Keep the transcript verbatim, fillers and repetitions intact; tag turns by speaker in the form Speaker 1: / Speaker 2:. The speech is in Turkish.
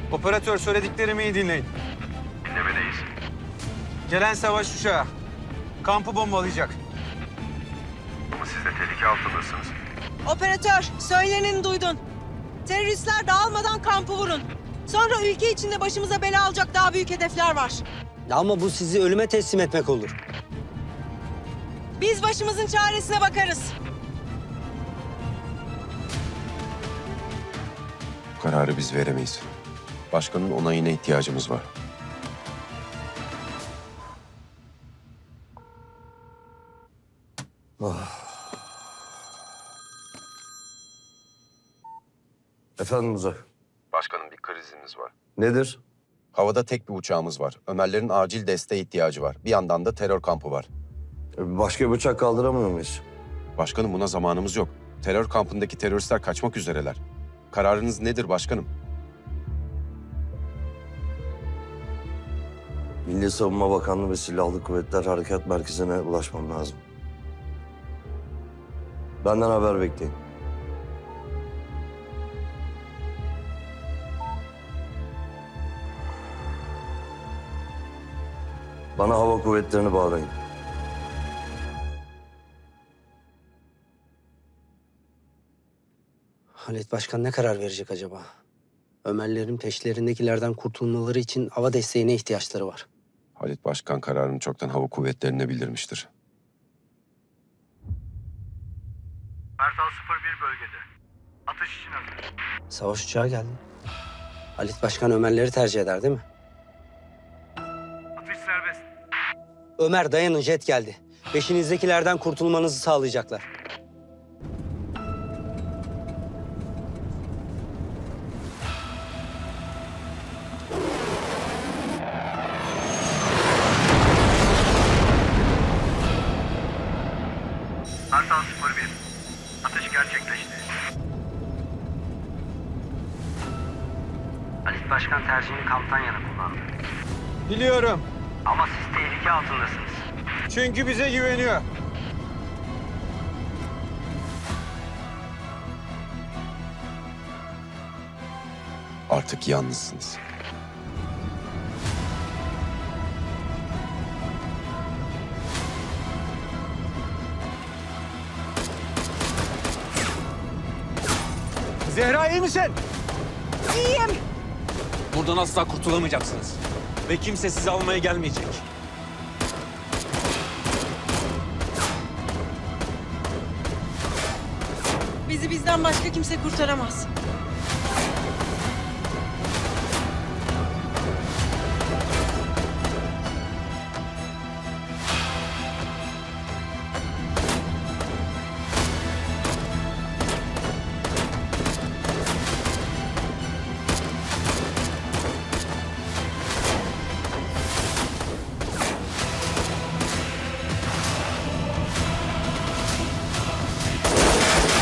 Speaker 1: Operatör, söylediklerimi iyi dinleyin.
Speaker 2: Dinlemedeyiz.
Speaker 1: Gelen savaş uçağı kampı bombalayacak.
Speaker 2: Ama siz de tehlike altındasınız.
Speaker 3: Operatör, söyleneni duydun. Teröristler dağılmadan kampı vurun. Sonra ülke içinde başımıza bela alacak daha büyük hedefler var.
Speaker 4: Ama bu sizi ölüme teslim etmek olur.
Speaker 3: Biz başımızın çaresine bakarız.
Speaker 2: Bu kararı biz veremeyiz. Başkanın onayına ihtiyacımız var.
Speaker 5: Efendim Uzay.
Speaker 2: Başkanım, bir krizimiz var.
Speaker 5: Nedir?
Speaker 2: Havada tek bir uçağımız var. Ömerlerin acil desteğe ihtiyacı var. Bir yandan da terör kampı var.
Speaker 5: E, Başka bir uçak kaldıramıyor muyuz?
Speaker 2: Başkanım, buna zamanımız yok. Terör kampındaki teröristler kaçmak üzereler. Kararınız nedir başkanım?
Speaker 5: Milli Savunma Bakanlığı ve Silahlı Kuvvetler Harekat Merkezi'ne ulaşmam lazım. Benden haber bekleyin. Bana hava kuvvetlerini bağlayın.
Speaker 4: Halit Başkan ne karar verecek acaba? Ömerlerin peşlerindekilerden kurtulmaları için hava desteğine ihtiyaçları var.
Speaker 2: Halit Başkan kararını çoktan hava kuvvetlerine bildirmiştir.
Speaker 6: Kartal sıfır bir bölgede. Atış için hazır.
Speaker 4: Savaş uçağı geldi. Halit Başkan Ömerleri tercih eder değil mi?
Speaker 6: Atış serbest.
Speaker 4: Ömer dayanın, jet geldi. Peşinizdekilerden kurtulmanızı sağlayacaklar.
Speaker 6: Kartal sıfır bir. Atış gerçekleşti.
Speaker 7: Halit Başkan tercihini kamptan yana kullandı.
Speaker 1: Biliyorum.
Speaker 7: Ama siz tehlike altındasınız.
Speaker 1: Çünkü bize güveniyor.
Speaker 2: Artık yalnızsınız.
Speaker 1: Zehra, iyi misin?
Speaker 3: İyiyim.
Speaker 1: Buradan asla kurtulamayacaksınız. Ve kimse sizi almaya gelmeyecek.
Speaker 3: Bizi bizden başka kimse kurtaramaz.